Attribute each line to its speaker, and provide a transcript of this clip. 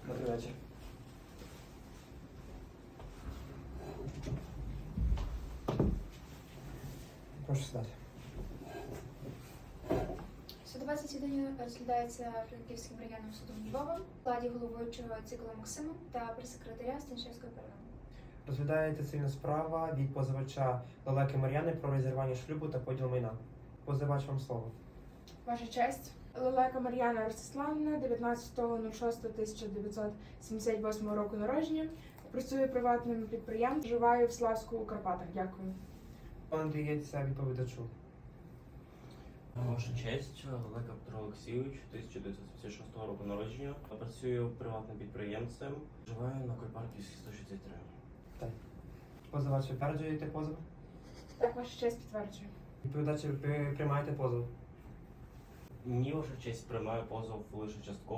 Speaker 1: Добрий вечір. Прошу сідати.
Speaker 2: Судове засідання розглядається Франківським районним судом Львова в складі головуючого Цикла Максима та прес-секретаря Станішевської ПРВ.
Speaker 1: Розглядається цивільна справа від позивача Лелеки Мар'яни про розірвання шлюбу та поділ майна. Позивач, вам слово.
Speaker 3: Ваша честь, Лелека Мар'яна Ростиславівна, 19.06.1978 року народження, працює приватним підприємством, живає в Славську у Карпатах. Дякую.
Speaker 1: Пан надається відповідачу.
Speaker 4: Ваша честь, Лелека Петро Олексійович, 1976 року народження, працюю приватним підприємцем, живаю на Кольпарківській 163.
Speaker 1: Позивач, ви підтверджуєте позов?
Speaker 3: Так, ваша честь, підтверджую.
Speaker 1: Відповідач, ви приймаєте позов?
Speaker 4: Ні, ваша честь, приймаю позов лише частково.